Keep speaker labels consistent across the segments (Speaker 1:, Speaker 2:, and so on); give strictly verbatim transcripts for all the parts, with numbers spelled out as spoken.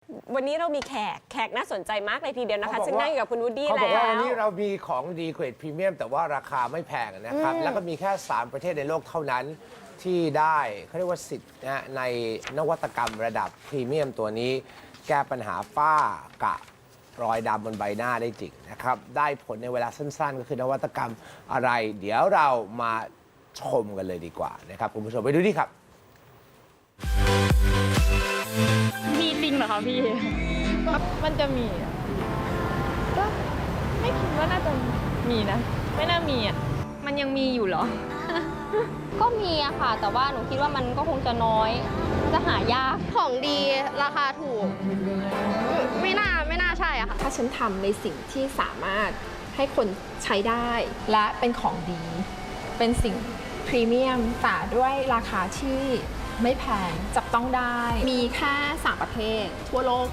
Speaker 1: วันนี้เรามีแขกแขกน่าสนใจมากเลยทีเดียวนะคะซึ่งนั่งอยู่กับคุณวูดดี้แล้ว
Speaker 2: เขาบอกว่าวันนี้เรามีของดีเกรดพรีเมียมแต่ว่าราคาไม่แพงนะครับแล้วก็มีแค่สามประเทศในโลกเท่านั้นที่ได้เขาเรียกว่าสิทธิ์นะในนวัตกรรมระดับพรีเมียมตัวนี้แก้ปัญหาฝ้ากระรอยดำบนใบหน้าได้จริงนะครับได้ผลในเวลาสั้นๆก็คือนวัตกรรมอะไร เดี๋ยวเรามาชมกันเลยดีกว่านะครับคุณผู้ชมไปดูดิครับ
Speaker 3: มีจริงเหรอคะพี่ มันจะมีอะก็ไม่คิดว่าน่าจะมีนะ ไม่น่ามีอ่ะ มันยังมีอยู่เหรอ
Speaker 4: ก็มีอะค่ะ แต่ว่าหนูคิดว่ามันก็คงจะน้อย จะหายาก
Speaker 5: ของดีราคาถูก ไม่น่าไม่น่าใช่อะค่ะ
Speaker 6: ถ้าฉันทำในสิ่งที่สามารถให้คนใช้ได้ และเป็นของดี เป็นสิ่งพรีเมียมแต่ด้วยราคาที่ไม่แพงจับต้องได้ มีแค่สามประเทศทั่วโลก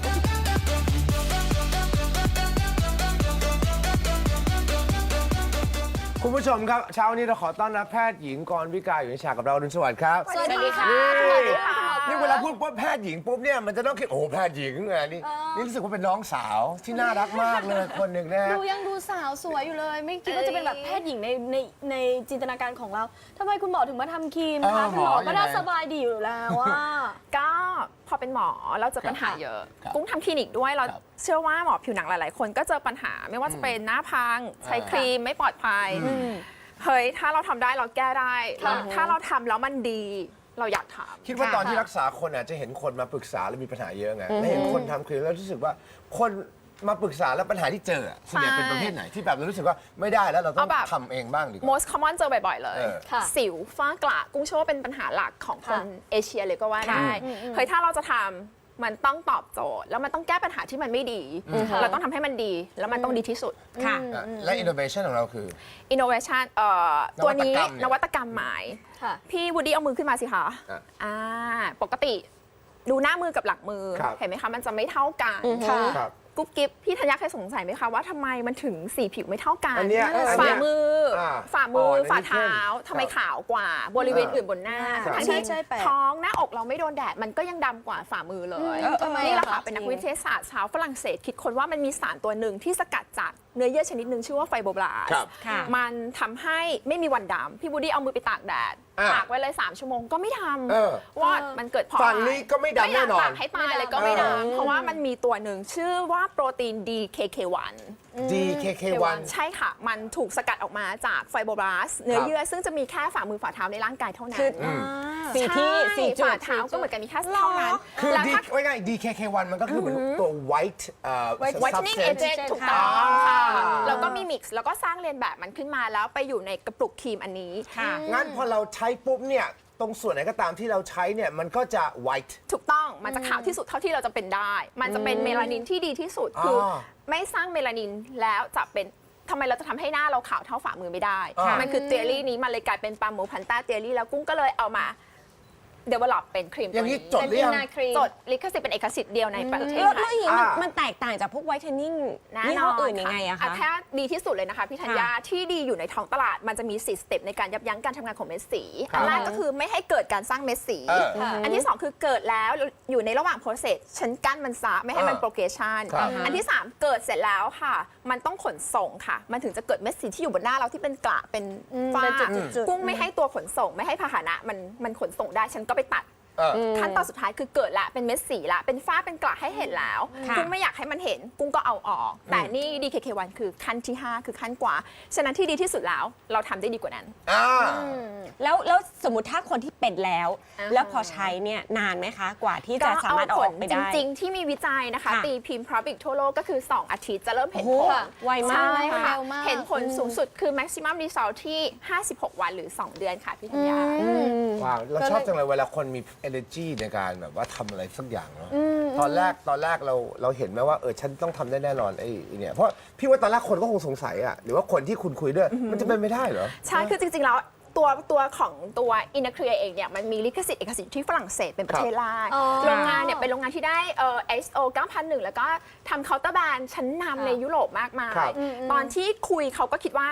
Speaker 2: คุณผู้ชมครับเช้านี้เราขอต้อนรับแพทย์หญิงกรวิกาอยู่ในฉากกับเราอรุณสวัสดิ์ครับ
Speaker 5: สวัสดีค่ะ
Speaker 2: นี่นี่เวลาพูดว่าแพทย์หญิงปุ๊บเนี่ยมันจะต้องคิดโอ้แพทย์หญิงไงนี่นี่รู้สึกว่าเป็นน้องสาวที่น่ารักมากเลยคนหนึ่งนะฮะ
Speaker 5: ดูยังดูสาวสวยอยู่เลย ไม่คิดว่าจะเป็นแบบแพทย์หญิงในในในจินตนาการของเราทำไมคุณหมอถึงมาทำครีมคะคุณหมอก็น่าสบายดีอยู่แล้วว่า
Speaker 6: ก็พอเป็นหมอเราเจอปัญหาเยอะ
Speaker 2: ครับ
Speaker 6: กุ้งทำคลินิกด้วยเรา
Speaker 2: ครับ
Speaker 6: เชื่อว่าหมอผิวหนังหลาย ๆ คนก็เจอปัญหาไม่ว่าจะเป็นหน้าพัง ใช้ครีมไม่ปลอดภัยเฮ้ยถ้าเราทำได้เราแก้ได้แล้วถ้าเราทำแล้วมันดีเราอยากทำ
Speaker 2: คิดว่าตอนที่รักษาคนอาจจะเห็นคนมาปรึกษาแล้วมีปัญหาเยอะไงแล้วเห็นคนทำครีมแล้วรู้สึกว่าคนมาปรึกษาแล้วปัญหาที่เจออะส่วนใหญ่เป็นประเภทไหนที่แบบเรารู้สึกว่าไม่ได้แล้วเราต้อง
Speaker 6: เอาแบบ
Speaker 2: ทำเองบ้างดีกว่า
Speaker 6: most common เจอบ่อย ๆ เลย
Speaker 2: เออ
Speaker 5: ค่ะ
Speaker 6: สิวฝ้ากระกุ้งเชื่อว่าเป็นปัญหาหลักของคน
Speaker 5: ค่ะ
Speaker 6: เอเชียเลยก็ว่าได้เฮ้ยถ้าเราจะทำมันต้องตอบโจทย์ แล้วมันต้องแก้ปัญหาที่มันไม่ดี เราต้องทำให้มันดี แล้วมันต้องดีที่สุด
Speaker 1: ค่ะ
Speaker 2: อ่ะและ innovation ของเราคือ
Speaker 6: innovation เอ่อตัวนี้
Speaker 2: น
Speaker 6: น
Speaker 2: วั
Speaker 6: วั
Speaker 2: ต
Speaker 6: ต
Speaker 2: ก
Speaker 6: ก
Speaker 2: ร
Speaker 6: ร
Speaker 2: ร
Speaker 6: ร
Speaker 2: ม
Speaker 6: มหมาย
Speaker 5: ค่ะ
Speaker 6: พี่วูดดี้เอามือขึ้นมาสิคะ
Speaker 2: อ่ะ
Speaker 6: อ่าปกติดูหน้ามือกับหลังมือ
Speaker 2: ครับ
Speaker 6: เห็นไหมคะ มันจะไม่เท่ากัน
Speaker 5: ค่ะ
Speaker 2: ครับ
Speaker 6: กุ๊บกิ๊บพี่ธัญญาเคยสงสัยไหมคะว่าทำไมมันถึงสีผิวไม่เท่ากัน
Speaker 2: อันเนี้ยอันเนี้ย
Speaker 6: ฝ่ามืออา ฝ่ามือ
Speaker 2: อ่อนอันนี้
Speaker 6: ฝ่าเท้า
Speaker 2: เข้ม
Speaker 6: ทำไม
Speaker 2: ครับ
Speaker 6: ขาวกว่าบริเวณอื่นบนหน้า
Speaker 2: ครับ
Speaker 6: ทั้ง
Speaker 5: ใช่
Speaker 6: ที่
Speaker 5: ใช่แปลก
Speaker 6: ท้องหน้าอกเราไม่โดนแดดมันก็ยังดำกว่าฝ่ามือเลย
Speaker 5: อืมทำไม
Speaker 6: นี่แหละ
Speaker 5: อะ
Speaker 6: ค่ะ
Speaker 5: คะ
Speaker 6: เป็นนักวิทยาศาสตร์ชาวฝรั่งเศสคิดค้นว่ามันมีสารตัวหนึ่งที่สกัดจากเนื้อเยื่อชนิดหนึ่งชื่อว่าไฟโบบลาส
Speaker 2: ครับ
Speaker 1: ค่ะ
Speaker 6: มันทำให้ไม่มีวันดำพี่บูดี้เอามือไปตากแดด
Speaker 2: อ่า
Speaker 6: ตากไว้เลยสามชั่วโมงก็ไม่ท
Speaker 2: เออ
Speaker 6: ำว่ามันเกิดเพราะ
Speaker 2: ฝั่ง
Speaker 6: อะไร
Speaker 2: นี้ก็ไม่ดำแน่นอน
Speaker 6: ไม่อยากตากให้ตายเลยก็ไม่
Speaker 2: เออ
Speaker 6: ดำเพราะว่ามันมีตัวหนึ่งชื่อว่าโปรตีน ดี เค เค วัน
Speaker 2: ดี เค เค วัน
Speaker 6: ใช่ค่ะ มันถูกสกัดออกมาจากไฟโบบลาสเนื้อเยื่อซึ่งจะมีแค่ฝ่ามือฝ่าเท้าในร่างกายเท่านั้น
Speaker 1: คือสี่ที่สี่จุด
Speaker 6: ฝ่าเท้าก็เหมือนกันมีแค่เท่านั้น
Speaker 2: คือ
Speaker 6: แล้ว
Speaker 2: ดี
Speaker 6: ถ้า
Speaker 2: ไว้ง่าย ดี เค เค วัน มันก็คือเหมือนตัว white เอ่อ
Speaker 6: whitening
Speaker 2: substance
Speaker 6: agent ถูกต้อง
Speaker 2: อ่า
Speaker 6: ค่ะแล้วก็มีมิกซ์แล้วก็สร้างเรียนแบบมันขึ้นมาแล้วไปอยู่ในกระปุกครีมอันนี้
Speaker 1: ค่ะ
Speaker 2: งั้นพอเราใช้ปุ๊บเนี่ยตรงส่วนไหนก็ตามที่เราใช้เนี่ยมันก็จะ white
Speaker 6: ถูกต้องมันจะขาวที่สุดเท่าที่เราจะเป็นได้ มันจะเป็นเมลานินที่ดีที่สุดคืออ
Speaker 2: อ
Speaker 6: ไม่สร้างเมลานินแล้วจะเป็นทำไมเราจะทำให้หน้าเราขาวเท่าฝ่ามือไม่ได้
Speaker 2: อ่ามั
Speaker 6: มันคือเทอรี่นี้มันเลยกลายเป็นปาโมพันต้าเทอรี่แล้วกุ้งก็เลยเอามา develop เป็นครีม
Speaker 2: อ
Speaker 6: ตั
Speaker 2: ย่าว งนี้
Speaker 6: นี้
Speaker 2: จดหรือยัง
Speaker 5: เป็น inner cream
Speaker 6: จดลิขสิทธิ์เป็นเอกสิทธิ์เดียวในประเทศ
Speaker 1: แล้ว
Speaker 6: ไท
Speaker 1: แล้ว
Speaker 6: ย
Speaker 1: อย่างนี้มัน
Speaker 2: อ่ามั
Speaker 1: มันแตกต่างจากพวกไวท์เทนนิ่ง
Speaker 6: แน่
Speaker 1: ยี่
Speaker 6: น
Speaker 1: ห้อ
Speaker 6: อน
Speaker 1: อื่นยังไงอะคะ
Speaker 6: ถ้าดีที่สุดเลยนะคะพี่ธัญญาที่ดีอยู่ในท้องตลาดมันจะมีสี่สเต็ปในการยับยั้งการทำงานของเม็ดสี
Speaker 2: ครับ
Speaker 6: อันแรกก็คือไม่ให้เกิดการสร้างเม็ดสี
Speaker 2: เออ
Speaker 6: อันที่สองคือเกิดแล้วอยู่ในระหว่าง process ฉันกั้นมันซะไม่ให้มัน
Speaker 2: เออ
Speaker 6: progression
Speaker 2: ครับ
Speaker 6: อันที่สามเกิดเสร็จแล้วค่ะ มันต้องขนส่งค่ะ มันถึงจะเกิดเม็ดสีที่อยู่บนหน้าเราที่เป็นกระเป็นฝ้า
Speaker 5: เป็นจุดๆ
Speaker 6: กุ้งไม่ให้ตัวขนส่ง ไม่ให้พาหนะมันมันขนส่งได้ฉันก็ไปตัด
Speaker 2: เออ
Speaker 6: ขั้นตอนสุดท้ายคือเกิดละเป็นเม็ดสีละเป็นฝ้าเป็นกระให้เห็นแล้ว
Speaker 1: ค่ะ
Speaker 6: กุ้งไม่อยากให้มันเห็นกุ้งก็เอาออก แต่นี่ ดี เค เค วัน คือขั้นที่ ห้า คือขั้นกว่า ฉะนั้นที่ดีที่สุดแล้วเราทำได้ดีกว่านั้น
Speaker 2: อ่า
Speaker 1: แล้วแล้วสมมติถ้าคนที่เป็นแล้ว
Speaker 6: อ่า
Speaker 1: แล้วพอใช้เนี่ยนานไหมคะ กว่าที่จะสามารถเอาออกไป
Speaker 6: จ
Speaker 1: ได้
Speaker 6: ริง ๆ ที่มีวิจัยนะคะ
Speaker 1: ค่ะ
Speaker 6: ตีพิมพ์ Public ทั่วโลกก็คือ สอง อาทิตย์จะเริ่มเห็น
Speaker 1: โอ้
Speaker 6: ผ
Speaker 1: โห
Speaker 6: ล
Speaker 1: ไวมาก
Speaker 6: ใช่
Speaker 5: ค่ะ
Speaker 6: ค่ะ
Speaker 5: เร็วมาก
Speaker 6: เห็นผลสูงสุดคือ maximum result ที่ ห้าสิบหก วันหรือ สอง เดือนค่ะพี่ธัญญา
Speaker 2: ว้าวเราชอบจังเลยเวลาคนมี energy ในการแบบว่าทำอะไรสักอย่างเนาะตอนแรกตอนแรกเราเราเห็นไหมว่าเออฉันต้องทำได้แน่นอนไอ้ไอ้เนี่ยเพราะพี่ว่าตอนแรกคนก็คงสงสัยอะหรือว่าคนที่คุณคุยด้วยมันจะเป็นไม่ได้เหรอ
Speaker 6: ใช่ คือจริง ๆ แล้วตัวตัวของตัว Inner Clear เองเนี่ยมันมีลิขสิทธิ์เอกสิทธิ์ที่ฝรั่งเศสเป็นประเทศแรก
Speaker 5: อ๋อ
Speaker 6: โรงงานเนี่ยเป็นโรงงานที่ได้เอ่อ เอส โอ เก้าพันหนึ่ง แล้วก็ทำเคาน์เตอร์แบรนด์ชั้นนำในยุโรปมากมาย
Speaker 2: ครับ
Speaker 6: ตอนที่คุยเขาก็คิดว่า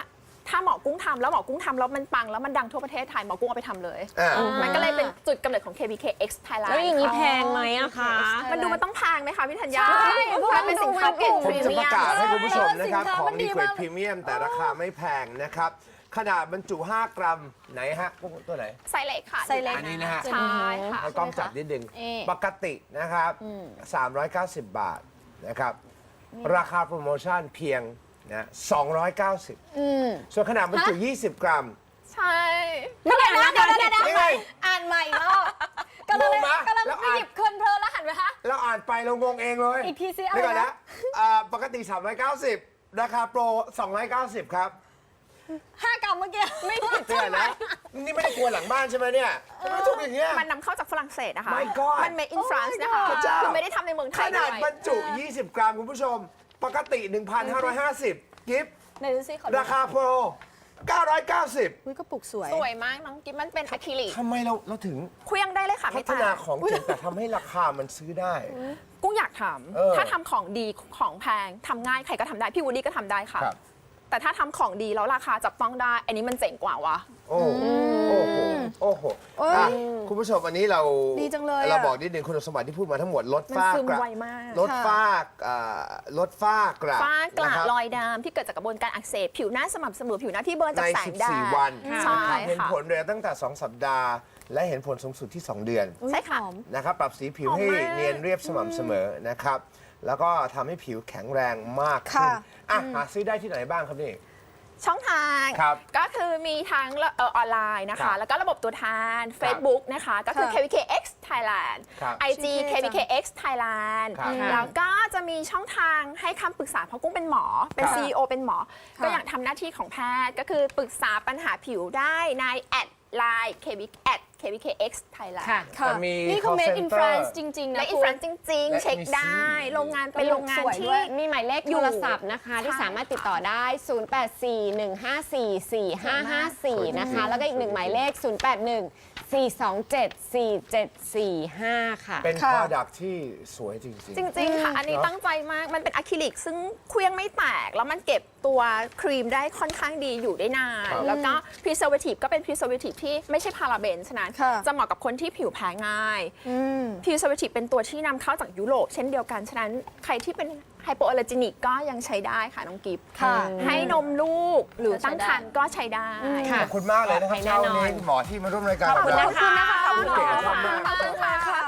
Speaker 6: ถ้าหมอกุ้งทำแล้วหมอกุ้งทำแล้วมันปังแล้วมันดังทั่วประเทศไทยหมอกุ้งเอาไปทำเลย
Speaker 2: อ่า
Speaker 6: มันก็เลยเป็นจุดกำเนิดของ เค บี เค เอ็กซ์ Thailand
Speaker 1: แล้วอย่างนี้แพงไหมอะคะ
Speaker 6: มันดูมันต้องแพงไหมคะพี่ธัญญา
Speaker 5: ใช่เพราะว่า
Speaker 6: มันเป็นสินค้าเกรด
Speaker 2: ผ
Speaker 6: พ
Speaker 2: ม
Speaker 6: รี
Speaker 2: จะ
Speaker 6: เมี
Speaker 2: ประ
Speaker 6: ยม
Speaker 2: กาศให้คุณผู้ชมนะครับ
Speaker 5: สินค้า
Speaker 2: ของ
Speaker 5: มันดี
Speaker 2: ดีเกรด
Speaker 5: มาก
Speaker 2: พรีเมียมแต่ราคาไม่แพงนะครับ ขนาดบรรจุ ห้ากรัมไหนฮะพวกตัวไหน
Speaker 6: ไซส์เล็กค่ะ
Speaker 5: ไซส์เล็ก
Speaker 2: อันนี้นะฮะ
Speaker 6: ใช่ค่ะ
Speaker 2: ให้กล้องจับนิดนึง
Speaker 5: เอ๊ะ
Speaker 2: ปกตินะครับ สามร้อยเก้าสิบ บาทนะครับ ราคาโปรโมชั่นเพียงนะสองร้อยเก้าสิบ
Speaker 5: อืม
Speaker 2: ส่วนขนาดบรรจุ ยี่สิบ กรัม
Speaker 6: ใช่
Speaker 5: เดี๋ยวนะเดี๋ยวนะเดี๋ยวนะ
Speaker 2: นี่ไง
Speaker 5: อ่านใหม่อีกรอบกำลัง
Speaker 2: งงไหม
Speaker 5: กำลัง
Speaker 2: แล้ว
Speaker 5: ไป
Speaker 2: อ่าน
Speaker 5: หยิบเพลินเพลินแล้วหันไปฮะ
Speaker 2: เราอ่านไปเรางงเองเลย
Speaker 5: อีกทีสิอะไรนะ
Speaker 2: เดี๋ยวก่อนนะอ่าปกติ สามร้อยเก้าสิบ ราคาโปร สองร้อยเก้าสิบ ครับ
Speaker 5: ห้ากรัมเมื่อกี้ไม่ผิด
Speaker 2: เดี๋ยวก่อนนะ นี่ไม่ได้กลัวหลังบ้านใช่ไหมเนี่ยทำไมถูกอย่างเงี้ย
Speaker 6: มันนำเข้าจากฝรั่งเศสนะคะ
Speaker 2: My God
Speaker 6: มัน made in France นะคะ
Speaker 2: พระเจ้า
Speaker 6: คือไม่ได้ทำในเมืองไท
Speaker 2: ข
Speaker 6: ย
Speaker 2: นาด
Speaker 6: ด้วย
Speaker 2: บรรจุ ยี่สิบ กรัมคุณผู้ชม ปกติ หนึ่งพันห้าร้อยห้าสิบ กิฟต์
Speaker 5: ไหนดูสิขอดู
Speaker 2: ราคาโปร เก้าร้อยเก้าสิบ
Speaker 5: อุ้ยกระปุกสวย
Speaker 6: สวยมากน้องกิ๊บมันเป็นอะคริลิก
Speaker 2: ทำไมเราเราถึง
Speaker 6: เคลี้ยงได้เลยค่ะ
Speaker 2: พั
Speaker 6: ไม่
Speaker 2: ฒ
Speaker 6: แต
Speaker 2: นาก ของจริงแต่ทำให้ราคามันซื้อได้
Speaker 6: กุ้งอยากท
Speaker 2: เออ
Speaker 6: ำถ้าทำของดีของแพงทำง่ายใครก็ทำได้ พี่วูดดี้ก็ทำได้ค่ะ
Speaker 2: ครับ
Speaker 6: แต่ถ้าทำของดีแล้วราคาจับต้องได้ อันนี้มันเจ๋งกว่าวะ
Speaker 2: โอ้โอ้โห โอ้โห
Speaker 5: เอ้ย
Speaker 2: อ่ะคุณผู้ชมอันนี้เรา
Speaker 5: ดีจังเลยอะ
Speaker 2: เราบอกนิดนึงคุณสมบัติที่พูดมาทั้งหมดลด
Speaker 6: มัน
Speaker 2: ฝ้า
Speaker 6: ซึม
Speaker 2: กระ
Speaker 6: ไวมาก
Speaker 2: ลดฝ้าอ่าลดฝ้ากระ
Speaker 6: ฝ้ากระ
Speaker 2: นคบ
Speaker 6: รอยดำที่เกิดจากกระบวนการอักเสบผิวหน้าสม่ำเสมอผิวหน้าที่เบิร์น
Speaker 2: ใน
Speaker 6: จากแสงแดด
Speaker 2: สิบสี่ วัน
Speaker 6: ใช่
Speaker 2: นะครับเห็น
Speaker 6: ค่ะ
Speaker 2: ผลเร็วตั้งแต่ สอง สัปดาห์ และเห็นผลสูงสุดที่ สอง เดือน
Speaker 6: ใช่ค่ะ
Speaker 5: หอม
Speaker 2: นะครับ ปรับสีผิว
Speaker 6: หอม
Speaker 2: ให้
Speaker 6: มาก
Speaker 2: เนียนเรียบสม่ำเสมอนะครับ แล้วก็ทำให้ผิวแข็งแรงมากขึ้น
Speaker 5: ค่ะ
Speaker 2: อ่ะหาซื้อได้ที่ไหนบ้างครับนี่
Speaker 6: ช่องทาง
Speaker 2: ครับ
Speaker 6: ก็คือมีทั้งเอ่อออนไลน์นะ
Speaker 2: ครั
Speaker 6: คะ
Speaker 2: บ
Speaker 6: แล้วก็ระบบตัวแทน Facebook นะคะ ก็คือ
Speaker 5: ค่ะ
Speaker 6: เค บี เค เอ็กซ์ Thailand
Speaker 2: ครับ
Speaker 6: ไอ จี เค บี เค เอ็กซ์ Thailand
Speaker 2: ครับ
Speaker 6: แล้วก็จะมีช่องทางให้คำปรึกษาเพราะกุ้งเป็นหมอ เป็น
Speaker 2: ครับ
Speaker 6: ซี อี โอ เป็นหมอ
Speaker 5: ค่ะ
Speaker 6: ก็อยากทำหน้าที่ของแพทย์ ก็คือปรึกษาปัญหาผิวได้ในแอดไลน์ เค บี แอด เค บี เค เอ็กซ์ Thailand
Speaker 1: ค่ะ
Speaker 5: ค่ะ
Speaker 2: แต่มี
Speaker 5: นี่คือ
Speaker 2: call
Speaker 5: made in
Speaker 2: center
Speaker 5: France จริง ๆ นะ
Speaker 6: และอิน
Speaker 5: คุ
Speaker 6: ฟ
Speaker 5: ณ
Speaker 6: รานจริง
Speaker 2: และ
Speaker 6: ๆ เช็ค
Speaker 2: มี
Speaker 6: ได้
Speaker 2: ซี
Speaker 6: โรงงานเป็นโรงงาน
Speaker 5: สวยด้
Speaker 6: ที่
Speaker 5: วย
Speaker 1: มีหมายเลข
Speaker 6: อยู่
Speaker 1: โทรศัพท์นะคะ ที่สามารถติดต่อได้ ศูนย์ แปด สี่ หนึ่ง ห้า สี่ สี่ ห้า ห้า สี่ นะคะ แล้วก็อีกหนึ่งหมายเลข ศูนย์ แปด หนึ่ง สี่ สอง เจ็ด สี่ เจ็ด สี่ ห้า ค่ะ
Speaker 2: เป็น
Speaker 5: ค่ะ
Speaker 2: product ที่สวยจริงๆ
Speaker 6: จริง ๆ ค่ะ อันนี้
Speaker 2: เนอะ
Speaker 6: ตั้งใจมาก มันเป็นอะคริลิกซึ่งเคลี้ยงไม่แตก แล้วมันเก็บตัวครีมได้ค่อนข้างดีอยู่ได้นาน
Speaker 2: ครับ
Speaker 6: แล้วก็ preservative ก็เป็น preservative ที่ไม่ใช่พาราเบนฉะนั้น
Speaker 5: ค่ะ
Speaker 6: จะเหมาะกับคนที่ผิวแพ้ง่าย
Speaker 5: อืม
Speaker 6: preservative เป็นตัวที่นำเข้าจากยุโรปเช่นเดียวกัน ฉะนั้นใครที่เป็นไฮโปอ l ล r จินิกก็ยังใช้ได้ค่ะ น้องกิฟต์
Speaker 5: ค่ะ
Speaker 6: ให้นมลูกหรือตั้งครรภ์ก็ใช้ได้
Speaker 1: ค่ะ
Speaker 2: ขอบคุณมากเลยนะครับ
Speaker 1: ปลอดภัยแน่
Speaker 2: เช้าน
Speaker 1: อน
Speaker 2: นี้คุณหมอที่มาร่วมรายการ
Speaker 1: ขอบคุณ
Speaker 2: เรา
Speaker 1: นะคะ
Speaker 5: ขอบคุณนะคะ
Speaker 2: เก่งมาก
Speaker 5: ขอบคุณค่ะ